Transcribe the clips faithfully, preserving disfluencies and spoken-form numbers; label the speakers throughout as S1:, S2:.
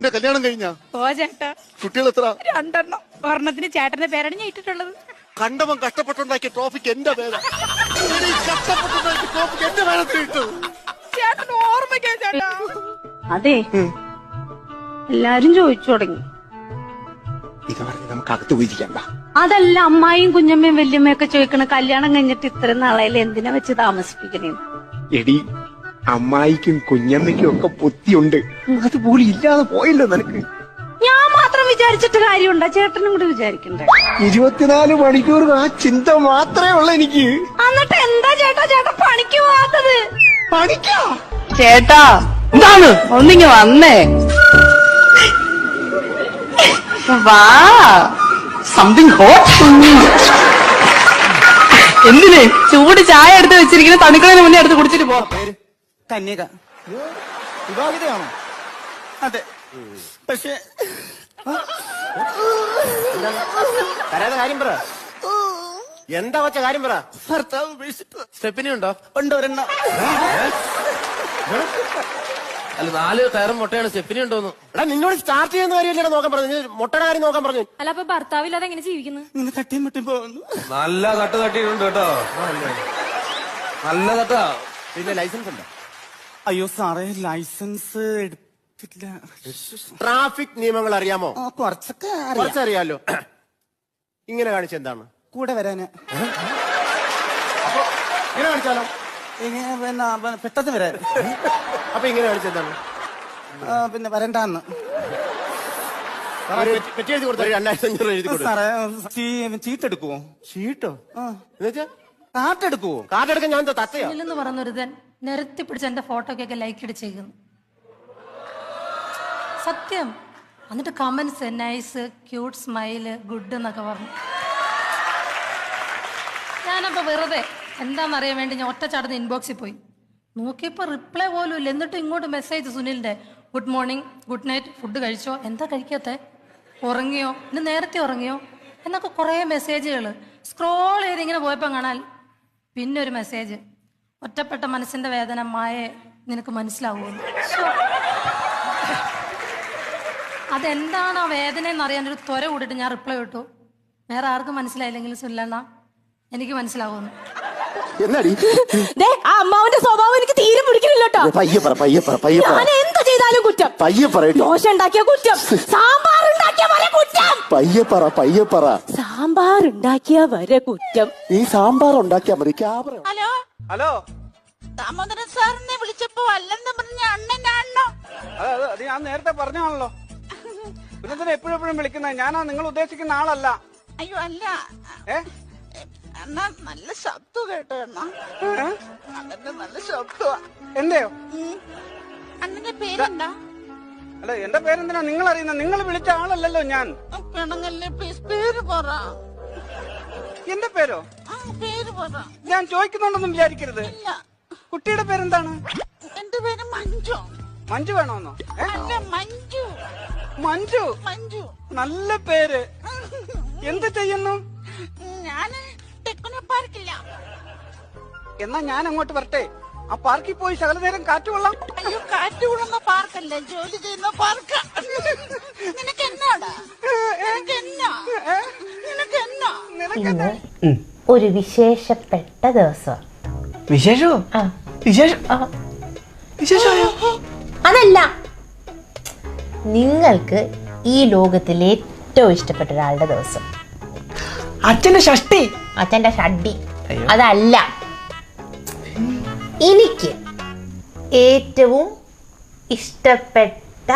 S1: എന്റെ കല്യാണം കഴിഞ്ഞാ?
S2: ഓ ചേട്ടാ.
S1: കുട്ടികൾ എത്ര?
S2: രണ്ടെണ്ണം. ഒരെണ്ണത്തിന് ചേട്ടന്റെ പേരാണ് ഞാൻ ഇട്ടിട്ടുള്ളത്.
S1: കണ്ടവൻ കഷ്ടപ്പെട്ടുണ്ടാക്കിയ ട്രോഫിക്ക് എന്റെ പേരാ. കഷ്ടപ്പെട്ടുണ്ടാക്കിയ ട്രോഫിക്ക് എന്റെ പേരത്തിൽ ഇട്ടു.
S2: ചേട്ടൻ ഓർമ്മിക്കാ ചേട്ടാ.
S3: അതെ, എല്ലാരും ചോദിച്ചു തുടങ്ങി.
S1: ഇത് പറഞ്ഞ് നമുക്ക് അകത്ത് പോയിരിക്കണ്ട.
S3: അതല്ല, അമ്മായിയും കുഞ്ഞമ്മയും വല്യമ്മയൊക്കെ ചോദിക്കണ കല്യാണം കഴിഞ്ഞിട്ട് ഇത്ര നാളായാലും എന്തിനാ വെച്ച് താമസിപ്പിക്കണേ?
S4: എടി, അമ്മായിക്കും കുഞ്ഞമ്മയ്ക്കും ഒക്കെ പൊത്തിയുണ്ട്, അതുപോലും ഇല്ലാതെ പോയല്ലോ നിനക്ക്.
S3: ഞാൻ മാത്രം വിചാരിച്ചിട്ട് കാര്യമുണ്ടോ? ചേട്ടനും കൂടി വിചാരിക്കണ്ടേ?
S4: ഇരുപത്തിനാല് മണിക്കൂർ ആ ചിന്ത മാത്രമേ ഉള്ളൂ എനിക്ക്.
S3: എന്നിട്ട് എന്താ ചേട്ടാ ചേട്ടാ പണിക്ക് പോവാത്തത്?
S4: പണിക്കാ
S3: ചേട്ടാ എന്താണ് ഒന്നിങ്ങ് വന്നേ? വാ,
S4: സംതിങ് ഹോട്ട്.
S3: എന്തിന്? ചൂട് ചായ എടുത്ത് വെച്ചിരിക്കുന്ന തണുക്കളതിന് മുന്നേ എടുത്ത് കുടിച്ചിട്ട് പോ.
S5: കന്യക വിവാഹിതയാണോ? അതെ, പക്ഷേ
S6: കാര്യം പറ. എന്താ വച്ച കാര്യം പറ.
S5: ഭർത്താവ് ഉപേക്ഷിച്ചു.
S6: സ്റ്റെപ്പിനി ഉണ്ടോ?
S5: ഉണ്ട്, ഒരെണ്ണം.
S6: അല്ല, നാല് കയറും മുട്ടയാണ്. സ്റ്റെപ്പിനി ഉണ്ടോന്ന്. എടാ, നിന്നോട് സ്റ്റാർട്ട് ചെയ്യുന്ന കാര്യമല്ലേ നോക്കാൻ പറഞ്ഞു. മുട്ടയുടെ കാര്യം നോക്കാൻ പറഞ്ഞു.
S2: അല്ല, അപ്പൊ ഭർത്താവില്ലാതെ എങ്ങനെ ജീവിക്കുന്നു?
S5: ഇങ്ങനെ തട്ടിയും മുട്ടിയും പോകുന്നു.
S7: നല്ല തട്ട് തട്ടിയിട്ടുണ്ട് കേട്ടോ, നല്ല തട്ടാ.
S6: പിന്നെ ലൈസൻസ് ഉണ്ടോ?
S5: അയ്യോ സാറേ, ലൈസൻസ് എടുത്തില്ല.
S6: ട്രാഫിക് നിയമങ്ങൾ അറിയാമോ?
S5: ആ, കുറച്ചൊക്കെ അറിയാം.
S6: കുറച്ചറിയാലോ. ഇങ്ങനെ കാണിച്ച എന്താണ്?
S5: കൂടെ വരാന്.
S6: ഇങ്ങനെ കാണിച്ചാലോ?
S5: ഇങ്ങനെ പിന്നെ പിന്നെ പെട്ടെന്ന് വരാൻ.
S6: അപ്പൊ ഇങ്ങനെ കാണിച്ച എന്താണ്?
S5: ആ, പിന്നെ വരണ്ടാന്ന്.
S6: പെറ്റി എഴുതി കൊടുത്ത രണ്ടായിരത്തി അഞ്ഞൂറ് എഴുതി കൊടുത്തു.
S5: സാറേ, ചീ- ചീട്ടെടുക്കുവോ?
S6: ഷീട്ടോ?
S5: ആ,
S6: എന്നുവെച്ചാ
S5: കാട്ടെടുക്കുവോ?
S6: കാർഡ് എടുക്കാൻ ഞാൻ എന്താ തത്തയോ?
S2: എന്ന് പറഞ്ഞൊരുതൻ നിരത്തി പിടിച്ച് എന്റെ ഫോട്ടോക്കൊക്കെ ലൈക്ക് ഇടിച്ചേക്കുന്നു. സത്യം. എന്നിട്ട് comments nice, cute, smile, good എന്നൊക്കെ പറഞ്ഞു. ഞാനപ്പോ വെറുതെ എന്താണെന്നറിയാൻ വേണ്ടി ഞാൻ ഒറ്റ ചടന്ന് ഇൻബോക്സിൽ പോയി നോക്കിയപ്പോ റിപ്ലൈ പോലും ഇല്ല. എന്നിട്ട് ഇങ്ങോട്ട് മെസ്സേജ് സുനിലിന്റെ good morning, good night, food കഴിച്ചോ, എന്താ കഴിക്കാത്തെ, ഉറങ്ങിയോ, ഇന്ന് നേരത്തെ ഉറങ്ങിയോ എന്നൊക്കെ കുറേ മെസ്സേജുകൾ സ്ക്രോൾ ചെയ്ത് ഇങ്ങനെ പോയപ്പോൾ കാണാൻ പിന്നെ ഒരു മെസ്സേജ്, ഒറ്റപ്പെട്ട മനസ്സിന്റെ വേദന മായെ നിനക്ക് മനസ്സിലാവുമെന്ന്. അതെന്താണ് ആ വേദന എന്നറിയാൻ ഒരു ത്വര കൂടിയിട്ട് ഞാൻ റിപ്ലൈ ഇട്ടു. വേറെ ആർക്കും മനസ്സിലായില്ലെങ്കിലും സുനിലണ്ണ എനിക്ക് മനസ്സിലാവുന്നു.
S6: എന്നാടി
S8: ആ അമ്മാവന്റെ സ്വഭാവം എനിക്ക് തീരെ പിടിക്കുന്നില്ല കേട്ടോ.
S6: പയ്യെ പറ, പയ്യെ പറ, പയ്യെ പറ.
S8: ഞാൻ എന്ത് ചെയ്താലും കുറ്റം.
S6: പയ്യെ പറ.
S8: ദോശ ഉണ്ടാക്കിയ കുറ്റം, സാമ്പാർ ഉണ്ടാക്കിയ വരെ കുറ്റം.
S6: പയ്യെ പറ, പയ്യെ പറ.
S8: സാമ്പാർ ഉണ്ടാക്കിയ വരെ കുറ്റം.
S6: നീ സാമ്പാർ ഉണ്ടാക്കിയാ മതി. ക്യാമറ.
S9: ഹലോ
S7: ഹലോ,
S9: ദാമോദരൻ സാറിനെ വിളിച്ചപ്പോ അല്ലെന്ന് പറഞ്ഞ അണ്ണനാണോ?
S7: അതെ അതെ, അത് ഞാൻ നേരത്തെ പറഞ്ഞാണല്ലോ. പിന്നെ തന്നെ എപ്പോഴും എപ്പോഴും വിളിക്കുന്നത് ഞാനാ നിങ്ങൾ ഉദ്ദേശിക്കുന്ന ആളല്ല.
S9: അയ്യോ അല്ല,
S7: ഏ
S9: അണ്ണാ നല്ല ശബ്ദം കേട്ടോ. അണ്ണാ അണ്ണന്റെ നല്ല ശബ്ദമാ.
S7: എന്തെയോ?
S9: അണ്ണന്റെ പേരെന്താ?
S7: അല്ല, എന്റെ പേരെന്തിനാ നിങ്ങൾ അറിയുന്ന? നിങ്ങൾ വിളിച്ച ആളല്ലല്ലോ ഞാൻ.
S9: പെണങ്ങല്ലേ, പ്ലീസ് പേര് പറ.
S7: എന്റെ പേരോ?
S9: ആ പേര് പറ.
S7: ഞാൻ ചോദിക്കുന്നുണ്ടെന്നും വിചാരിക്കരുത്.
S9: ഇല്ല,
S7: കുട്ടിയുടെ പേരെന്താണ്?
S9: എന്റെ പേര് മഞ്ജു.
S7: മഞ്ജു വേണമെന്നോ? ഏ?
S9: അല്ല, മഞ്ജു.
S7: മഞ്ജു,
S9: മഞ്ജു
S7: നല്ല പേര്. എന്ത് ചെയ്യുന്നു?
S9: ഞാന് ടെക്നോ പാർക്കില്ല.
S7: എന്നാ ഞാൻ അങ്ങോട്ട് വരട്ടെ? ആ പാർക്കിൽ പോയി ശകല നേരം കാറ്റ് കൊള്ളാം.
S9: അയ്യോ, കാറ്റ് കൊള്ളുന്ന പാർക്കല്ല, ജോലി ചെയ്യുന്ന പാർക്ക്. നിനക്ക് എന്നാടാ? നിനക്ക് എന്നാ? നിനക്ക് എന്നാ?
S10: ഇന്ന് ഒരു വിശേഷപ്പെട്ട ദിവസം.
S5: വിശേഷമോ? വിശേഷം വിശേഷമായോ?
S10: അതല്ല, നിങ്ങൾക്ക് ഈ ലോകത്തിൽ ഏറ്റവും ഇഷ്ടപ്പെട്ട ഒരാളുടെ ദിവസം.
S5: അച്ഛന്റെ ഷഷ്ടി.
S10: അച്ഛന്റെ ഷഡ്ഡി അതല്ല, എനിക്ക് ഏറ്റവും ഇഷ്ടപ്പെട്ട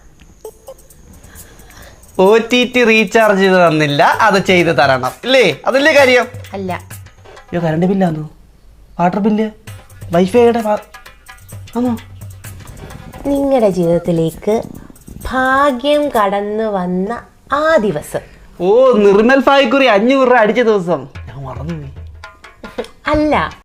S5: ഒ ടി ടി റീചാർജ് ചെയ്ത് തന്നില്ല, അത് ചെയ്ത് തരണം ഇല്ലേ? അതല്ലേ കാര്യം?
S10: അല്ല,
S5: അയ്യോ, കറണ്ട് ബില്ലാന്നോ? വാട്ടർ ബില്ല്, വൈഫൈയുടെ ആണോ?
S10: നിങ്ങളുടെ ജീവിതത്തിലേക്ക് ഭാഗ്യം കടന്നു വന്ന ആ ദിവസം.
S5: ഓ, നിർമ്മൽ ഫായ്ക്കുറി അഞ്ഞൂറ് രൂപ അടിച്ച ദിവസം. ഞാൻ മറന്നുപോയി.
S10: അല്ല,